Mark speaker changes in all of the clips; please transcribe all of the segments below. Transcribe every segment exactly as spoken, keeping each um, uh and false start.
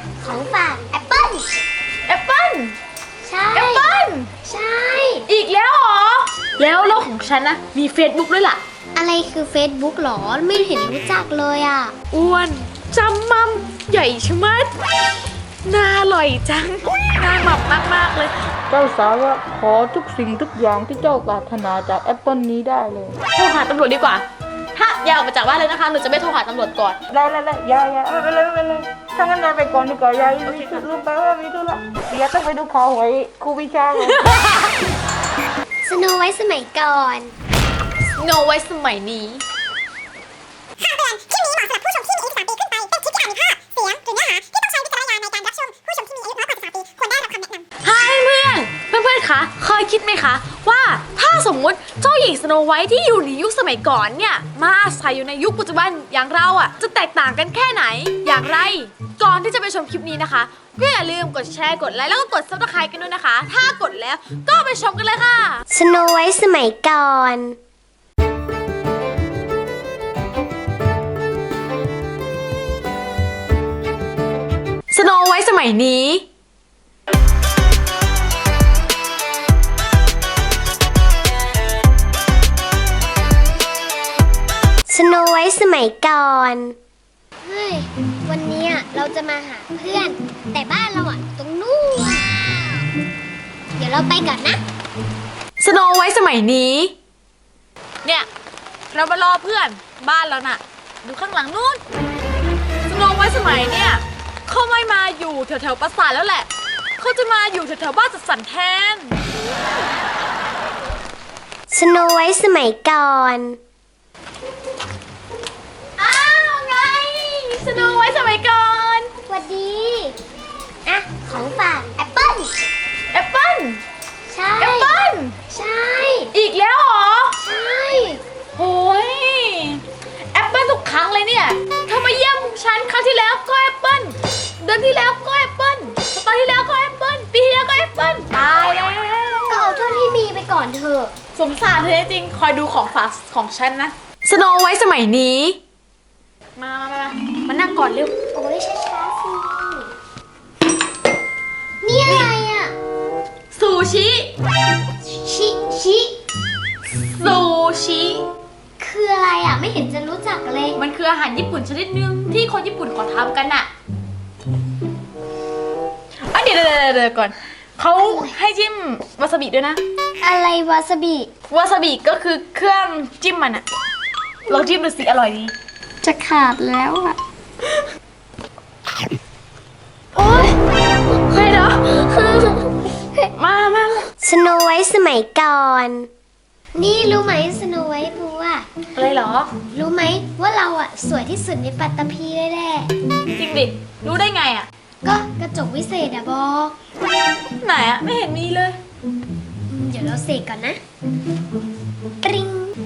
Speaker 1: ของฝากแอปเปิ้ล
Speaker 2: แอปเปิ้ล
Speaker 1: ใช่
Speaker 2: แอปเปิ้ล
Speaker 1: ใช่
Speaker 2: อีกแล้วเหรอแล้วโลกของฉันนะมี Facebook ด้วยล่ะ
Speaker 1: อะไรคือ Facebook หรอไม่เห็นรู้จักเลยอ่ะ
Speaker 2: อ้วนจำมั่มใหญ่ชะมัดน่าอร่อยจังน่าหมับมากๆเลย
Speaker 3: เจ้าสาวะขอทุกสิ่งทุกอย่างที่เจ้าปรารถนาจากแอปเปิลนี้ได้เลย
Speaker 2: โทรหาตำรวจดีกว่าถ้าอย่าออกมาจากบ้านเลยนะคะหนูจะไม่โทรหาตำรวจก่อน
Speaker 3: ได้ได้ได้ยายยายไม่เป็นไรไม่เป็นไรถ้างั้นนายไปก่อนดีกว่ายายมีธุลืมไปว่ามีธุระเดี๋ยวต้องไปดูข่าวหวยครูวิชาเลย
Speaker 1: สโนไว้สมัยก่อน
Speaker 2: โนไว้สมัยนี้
Speaker 4: คำเตือนคลิปนี้เหมาะสำหรับผู้ชมที่มีอายุสิบสามปีขึ้นไป เป็นคลิปที่อาจมีภาพ เสียง หรือเนื้อหาที่ต้องใช้วิจารณญาณในการรับชม ผู้ชมที่มีอายุน้อยกว่าสิบสามปีควรได้รับคำแนะนำ
Speaker 2: ฮายเพื่อนเพื่อนเพื่อนคะเคยคิดไหมคะว่าถ้าสมมุติเจ้าหญิงสโนไวท์ที่อยู่ในยุคสมัยก่อนเนี่ยมาอาศัยอยู่ในยุคปัจจุบันอย่างเราอ่ะจะแตกต่างกันแค่ไหนอย่างไรก่อนที่จะไปชมคลิปนี้นะคะก็อย่าลืมกดแชร์กดไลค์แล้วก็กดซับสไครต์กันด้วยนะคะถ้ากดแล้วก็ไปชมกันเลยค่ะ
Speaker 1: สโนไว้สมัยก่อน
Speaker 2: สโนไวท์สมัยนี้
Speaker 1: สโนไว้สมัยก่อนเฮ้ยวันนี้เราจะมาหาเพื่อนแต่บ้านเราอ่ะตรงนู้นเดี๋ยวเราไปก่อนนะ
Speaker 2: สโนไวท์สมัยนี้เนี่ยเรามารอเพื่อนบ้านเราน่ะดูข้างหลังนู้นสโนไวท์สมัยเนี่ยเขาไม่มาอยู่แถวๆปราสาทแล้วแหละเขาจะมาอยู่แถวๆบ้านจัดสรรแทน
Speaker 1: สโนไว้สมัยก่อน
Speaker 2: อ้าวไงสโนไวท์สมัยก่อน
Speaker 1: สวัสดีอ่ะของฝากแอปเปิ้ล
Speaker 2: แอปเปิ้ล
Speaker 1: ใช่
Speaker 2: แอปเปิ้ล
Speaker 1: ใช่
Speaker 2: อีกแล้วเหรอ
Speaker 1: ใช่
Speaker 2: โอ้ยแอปเปิ้ลทุกครั้งเลยเนี่ยเธอมาเยี่ยมฉันครั้งที่แล้วก็แอปเปิ้ลเดือนที่แล้วก็แอปเปิ้ลสัปดาห์ที่แล้วก็แอปเปิ้ลปีที่แล้วก็แอปเปิ้ลตายแล้ว
Speaker 1: ก็เอาเท่าที่มีไปก่อนเถอะ
Speaker 2: สงสารเธอจริงคอยดูของฝากของฉันนะสโนไวท์สมัยนี้มามามามานั่งก่อนเร็ว
Speaker 1: โอ้ยช้าๆสินี่อะไรอ่ะ
Speaker 2: ซูชิ
Speaker 1: ชิชิ
Speaker 2: ซูชิ
Speaker 1: คืออะไรอ่ะไม่เห็นจะรู้จักเลย
Speaker 2: มันคืออาหารญี่ปุ่นชนิดนึงที่คนญี่ปุ่นเขาทำกันน่ะอ่ะเดี๋ยวเดี๋ยวเดี๋ยวก่อนเขาให้จิ้มวาซาบิด้วยนะ
Speaker 1: อะไรวาซาบิ
Speaker 2: วาซาบิก็คือเครื่องจิ้มมันอะลองจิ้มดูสิอร่อยดี
Speaker 1: จะขาดแล้วอ่ะโอ๊ย
Speaker 2: ใครเหรอมามา
Speaker 1: สโนไว้สมัยก่อนนี่รู้ไหมสโนไวท์บัว
Speaker 2: อะไรเหรอ
Speaker 1: รู้ไหมว่าเราอ่ะสวยที่สุดในปัตตภีเลยแหละ
Speaker 2: จริงดิรู้ได้ไงอ่ะ
Speaker 1: ก็กระจกวิเศษอะบอก
Speaker 2: ไหนอ่ะไม่เห็นมีเลย
Speaker 1: เดี๋ยวเราเสกก่อนนะปริง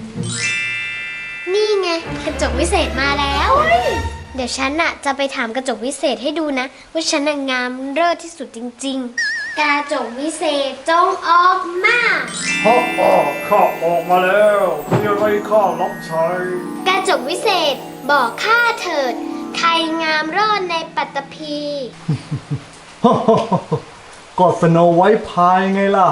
Speaker 1: นี่ไงกระจกวิเศษมาแล้วเดี๋ยวฉันน่ะจะไปถามกระจกวิเศษให้ดูนะว่าฉันน่ะงามเลิศที่สุดจริงๆกระจกวิเศษจงออกมา
Speaker 5: ฮ่าฮ่าข้าออกมาแล้วมีอะไรข้ารับใช้
Speaker 1: กระจกวิเศษบอกข้าเถิดใครงามเลิศในปัตตภี
Speaker 5: ฮ่าฮ่าก็สโนไวท์พายไงล่ะ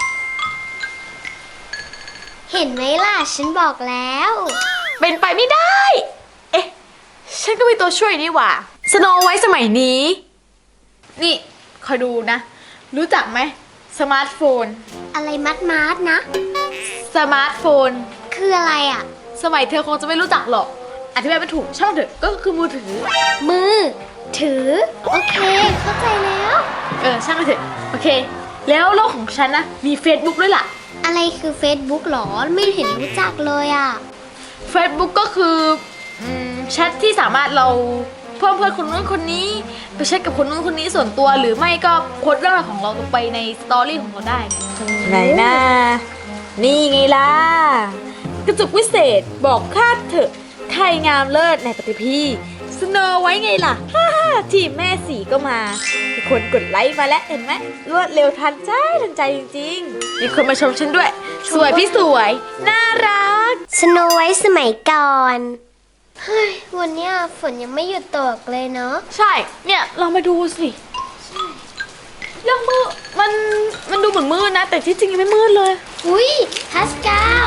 Speaker 1: เห็นไหมล่ะฉันบอกแล้ว
Speaker 2: เป็นไปไม่ได้เอ๊ะฉันก็มีตัวช่วยนี่หว่าสโนไวท์สมัยนี้นี่คอยดูนะรู้จักไหมสมาร์ทโฟน
Speaker 1: อะไรมัดมัดนะ
Speaker 2: สมาร์ทโฟน
Speaker 1: คืออะไรอ่ะ
Speaker 2: สมัยเธอคงจะไม่รู้จักหรอกอธิบายไม่ถูกช่างเถอะก็คือมือถือ
Speaker 1: มือถือโอเคเข้าใจแล้ว
Speaker 2: เออช่างเถอะโอเคแล้วโลกของฉันนะมี Facebook ด้วยล่ะ
Speaker 1: อะไรคือ Facebook หรอไม่เห็นรู้จักเลยอ่ะ
Speaker 2: Facebook ก็คือแชทที่สามารถเราเพิ่มเพื่อนคนนู้นคนนี้ไปแชทกับคนนู้นคนนี้ส่วนตัวหรือไม่ก็โพสต์เรื่องราวของเราลงไปในสตอรี่ของเราได้ไหนนะนี่ไงล่ะกระจกวิเศษบอกข้าเถอะใครงามเลิศในปฏิพีสโนไว้ไงล่ะฮ่าฮ่าทีมแม่สีก็มามีคนกดไลค์มาแล้วเห็นไหมรวดเร็วทันใจทันใจจริงๆมีคนมาชมฉันด้วยสวยพี่สวยน่ารัก
Speaker 1: สโนไว้สมัยก่อนเฮ้ยวันเนี้ยฝนยังไม่หยุดตกเลยเนาะ
Speaker 2: ใช่ เนี่ยลองไปดูสิยังมืดมันมันดูเหมือนมืดนะ แต่ที่จริงยังไม่มืดเลย
Speaker 1: อุ้ยพัสกาว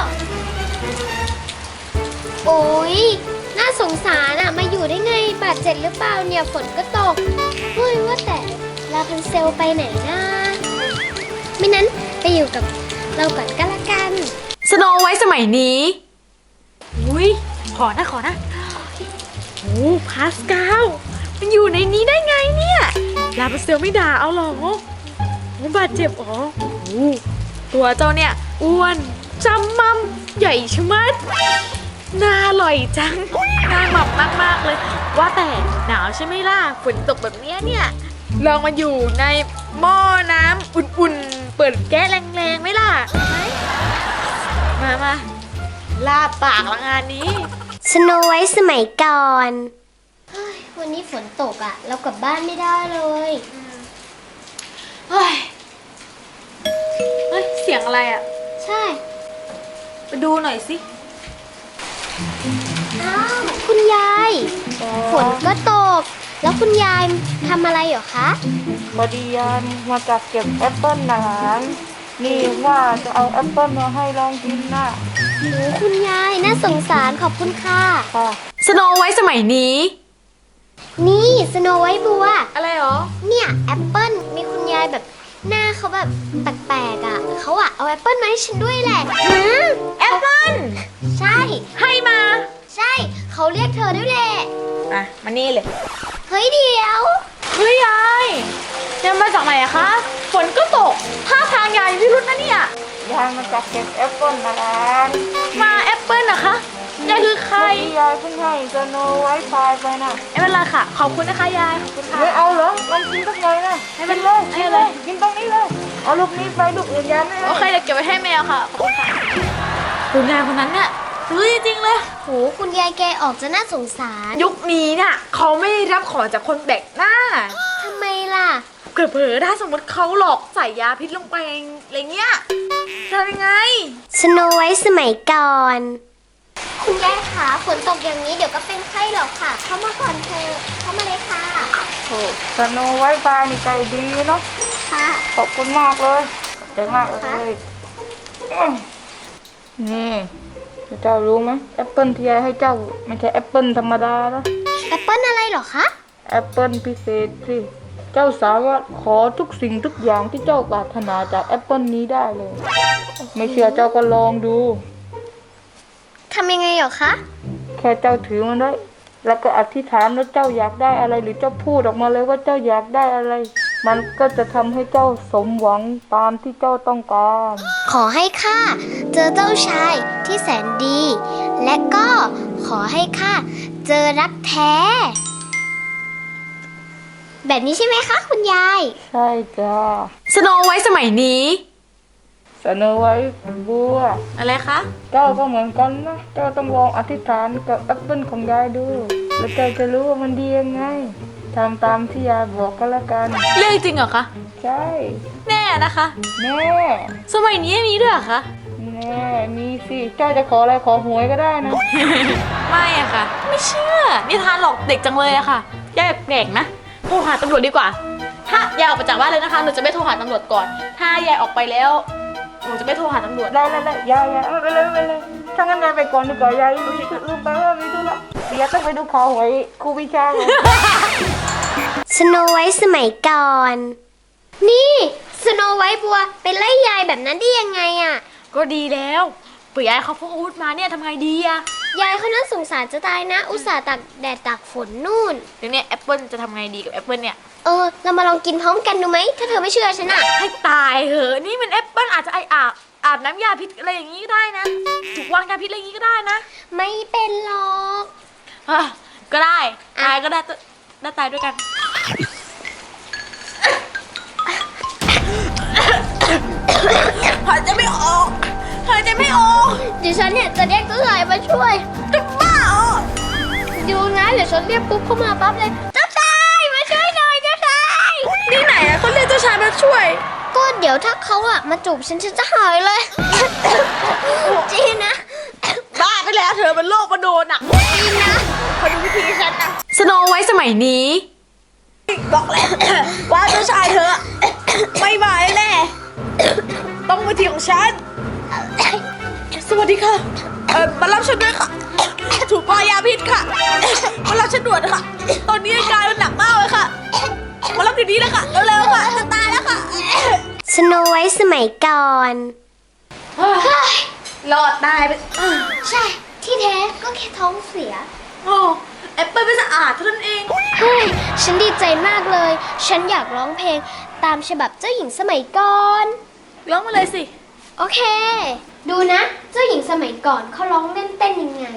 Speaker 1: โอ้ยน่าสงสารอะมาอยู่ได้ไงบาดเจ็บหรือเปล่าเนี่ยฝนก็ตกเฮ้ยว่าแต่ลาพันเซลไปไหนนะไม่นั้นไปอยู่กับเราก่อนก็แล้วกัน
Speaker 2: สโนไว้สมัยนี้อุ้ยขอนะขอนะโอ้พาสกาวมันอยู่ในนี้ได้ไงเนี่ยลาบัสเซลไม่ด่าเอาหรอโอ้บาดเจ็บอ๋อโอ้ตัวเจ้าเนี่ยอ้วนจำมั่มใหญ่ชะมัดน่าอร่อยจังน่าหมับมากๆเลย ว่าแต่หนาวใช่ไหมล่ะฝนตกแบบเนี้ยเนี่ยลองมาอยู่ในหม้อน้ำอุ่นๆเปิดแก๊สแรงๆไหมล่ะมามาลาปากละงานนี้
Speaker 1: สโนไว้สมัยก่อนเฮ้ยวันนี้ฝนตกอะเรากลับบ้านไม่ได้เลย
Speaker 2: เฮ้ย เฮ้ย เสียงอะไรอ่ะ
Speaker 1: ใช่
Speaker 2: ไปดูหน่อยสิ
Speaker 1: อ้าวคุณยายฝนก็ตก แล้วคุณยายทำอะไรเหรอคะ
Speaker 3: พอดียายมาจากเก็บแอปเปิ้ลนะหลานนี่ว่าจะเอาแอปเปิ้ลมาให้ลองกินนะ
Speaker 1: โอ้คุณยายน่าสงสารขอบคุณค่ะ
Speaker 3: ค่ะ
Speaker 2: สโนไว้สมัยนี้
Speaker 1: นี่สโนไว้บัว
Speaker 2: อะไรหรอ
Speaker 1: เนี่ยแอปเปิ้ลมีคุณยายแบบหน้าเขาแบบแปลกๆอ่ะเขาอ่ะเอาแอปเปิ้ลมาให้ฉันด้วยแหละหืม
Speaker 2: แอปเปิ้ล
Speaker 1: ใช่
Speaker 2: ให้มา
Speaker 1: ใช่เขาเรียกเธอด้วยแหละ
Speaker 2: อ่ะ มานี่เลย
Speaker 1: เฮ้ยเดี๋ยว
Speaker 2: เฮ้ยยายยายมาจากไหนอะคะ ฝนก็ตกท่าทางยายพิรุธนะเนี่ย
Speaker 3: ยายมาจากเก็บแอปเปิ้ลนะหลาน
Speaker 2: มาแอปเปิ้ลนะคะ ยายคือใคร
Speaker 3: เมื่อกี้ยายเพิ่งให้สโนไว้พายไปนะ
Speaker 2: ไม่เป็นไรค่ะ ขอบคุณนะคะยาย ขอบคุณค่ะ
Speaker 3: ไม่เอาเหรอลองกินสักหน่อยนะ
Speaker 2: ไม่เป็น
Speaker 3: เลย
Speaker 2: ไม่
Speaker 3: กิ
Speaker 2: เป็น น
Speaker 3: เล
Speaker 2: ไร
Speaker 3: ยกินตรงนี้เลยเอาลูกนี้ไปลูกอื่นยายไม่ให้
Speaker 2: โอเคเดี๋ยวเก็บไว้ให้แมวค่ะ ขอบคุณค่ะคุณยายคนนั้นเนี่ยซื้อจริงๆเลย
Speaker 1: โหคุณยายแกออกจะน่าสงสาร
Speaker 2: ยุคนี้น่ะเขาไม่รับของจากคนแปลกหน้า
Speaker 1: ทำไมล่ะ
Speaker 2: เกิดเผลอถ้าสมมติเขาหลอกใส่ยาพิษลงไปอะไรเงี้ยทำยังไง
Speaker 1: สโนไว้สมัยก่อน คุณยายขาฝนตกอย่างนี้เดี๋ยวก็เป็นไข้หรอกค่ะ เข้ามาก่อนเธอะเข้ามาเลยค่ะ
Speaker 3: โอ้สโนไว้พายนี่ใจดีเนาะ
Speaker 1: ค่ะ
Speaker 3: ขอบคุณมากเลยขอบใจมากเลยอืมนี่เจ้ารู้ไหมแอปเปิลที่ยายให้เจ้าไม่ใช่แอปเปิลธรรมดานะ
Speaker 1: แอปเปิ้ลอะไรเหรอคะ
Speaker 3: แอปเปิลพิเศษสิเจ้าสามารถขอทุกสิ่งทุกอย่างที่เจ้าปรารถนาจากแอปเปิลนี้ได้เลย ไม่เชื่อเจ้าก็ลองดู
Speaker 1: ทำยังไงเหรอคะ
Speaker 3: แค่เจ้าถือมันไว้แล้วก็อธิษฐานว่าเจ้าอยากได้อะไร หรือเจ้าพูดออกมาเลยว่าเจ้าอยากได้อะไร มันก็จะทำให้เจ้าสมหวังตามที่เจ้าต้องการ
Speaker 1: ขอให้ข้าเจอเจ้าชายที่แสนดี และก็ขอให้ข้าเจอรักแท้ แบบนี้ใช่ไหมคะคุณยาย
Speaker 3: ใช่จ้า
Speaker 2: สโนไว้สมัยนี้
Speaker 3: เสนอไว้บัว
Speaker 2: อะไรคะ
Speaker 3: เจ้าก็เหมือนกันนะ เจ้าต้องลองอธิษฐานกับแอปเปิลของยายดู แล้วเจ้าจะรู้ว่ามันดียังไงทำตามที่ยายบอกก็แล้วกัน
Speaker 2: เรื่องจริงเหรอคะ
Speaker 3: ใช่
Speaker 2: แน่นะคะ
Speaker 3: แน่
Speaker 2: สมัยนี้มีด้วยเหรอคะ
Speaker 3: แน่มีสิเจ้าจะขออะไรขอหวยก็ได้นะ
Speaker 2: ไม่อะค่ะ ไม่เชื่อนิทานหลอกเด็กจังเลยอะค่ะยายแปลกๆนะโทรหาตำรวจดีกว่า ถ้ายายออกไปจากบ้านเลยนะคะหนูจะไม่โทรหาตำรวจก่อน ถ้ายายออกไปแล้วหนูจะไม่โทรหาตำรวจ
Speaker 3: ได้ได้ได้ยายยายไม่เป็นไรไม่เป็นไรถ้างั้นยายไปก่อนดีกว่ายายลืมไปว่ามีธุระเดี๋ยวต้องไปดูข่าวหวยครูวิชาเลย
Speaker 1: สโนไว้สมัยก่อน นี่สโนไว้บัวไปไล่ยายแบบนั้นได้ยังไงอะ
Speaker 2: ก็ดีแล้วเผื่อยายเขาพกอาวุธมาเนี่ยทำไงดีอะ
Speaker 1: ยายเขาน่าสงสารจะตายนะ อุตส่าห์ตากแดดตากฝนนู่น
Speaker 2: เดี๋ยวเนี้แอปเปิลจะทำไงดีกับแอปเปิลเนี่ย
Speaker 1: เออ เรามาลองกินพร้อมกันดูไหม ถ้าเธอไม่เชื่อฉันอะ
Speaker 2: ให้ตายเหอะนี่มันแอปเปิลอาจจะไออาบอาบน้ำยาพิษอะไรอย่างนี้ก็ได้นะถูกวางยาพิษอะไรอย่างนี้ก็ได้นะ
Speaker 1: ไม่เป็นหรอก
Speaker 2: อ่ะก็ได้ตายก็ได้ได้ตายด้วยกันหายใจไม่ออกหายใจไม่ออก
Speaker 1: เดี๋ยวฉันเนี่ยจะเรียกเจ้าชายมาช่วย
Speaker 2: จะบ้าเหรอ
Speaker 1: ดูนะเดี๋ยวฉันเรียกปุ๊บเข้ามาปั๊บเลย เจ้าชายมาช่วยหน่อยเจ้าชาย
Speaker 2: นี่ไหนอะเขาเรียกเจ้าชายมาช่วย
Speaker 1: ก็เดี๋ยวถ้าเขาอะมาจูบฉันฉันจะหายเลย จริงนะ
Speaker 2: บ้าไปแล้วเธอเป็นโรคประโดนอะ
Speaker 1: จริงนะ
Speaker 2: ขอดูวิธีฉันนะสโนไว้สมัยนี้บอกแล้ว ว่าเจ้าชายเธอ ไม่มาแน่ต้องวิธีของฉัน สวัสดีค่ะเออมารับฉันด้วยค่ะถูกปายาพิษค่ะมารับฉันด่วนค่ะ ตอนนี้อาการมันหนักมากเลยค่ะมารับเดี๋ยวนี้เลยค่ะเร็วๆค่ะจะตายแล้วค่ะ
Speaker 1: สโนไวท์สมัยก่อน
Speaker 2: รอดตายไป
Speaker 1: ใช่ ที่แท้ก็แค่ท้องเสีย
Speaker 2: โอ้แอปเปิลไม่สะอาดเท่านั้นเอง
Speaker 1: เฮ้ย ฉันดีใจมากเลย ฉันอยากร้องเพลงตามฉบับเจ้าหญิงสมัยก่อน
Speaker 2: ร้องมาเลยสิ
Speaker 1: โอเค ดูนะ เจ้าหญิงสมัยก่อนเขาร้องเล่นเต้นยังไง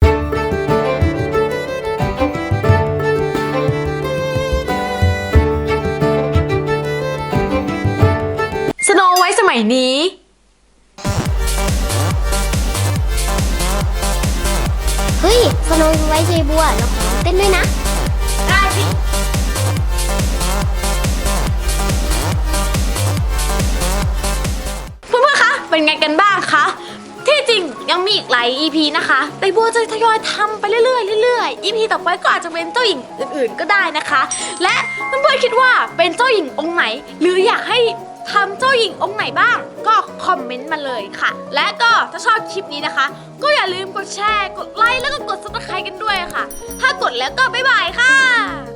Speaker 2: สโนไว้สมัยนี้
Speaker 1: เฮ้ย สโนไวท์เยบัวเราขอร้องเต้นด้วยนะ
Speaker 2: ได้สิเพื่อนๆ คะ เป็นไงกันบ้างคะ ที่จริงยังมีอีกหลาย อี พี นะคะ แต่บัวจะทยอยทำไปเรื่อยๆเรื่อยๆ อี พี ต่อไปก็อาจจะเป็นเจ้าหญิงอื่นๆ ก็ได้นะคะ และเพื่อนๆ คิดว่าเป็นเจ้าหญิงองค์ไหน หรืออยากให้ทำเจ้าหญิงองค์ไหนบ้าง ก็คอมเมนต์มาเลยค่ะ และก็ถ้าชอบคลิปนี้นะคะ ก็อย่าลืมกดแชร์ กดไลค์ แล้วก็กดซับสไครต์กันด้วยค่ะ ถ้ากดแล้วก็บ๊ายบายค่ะ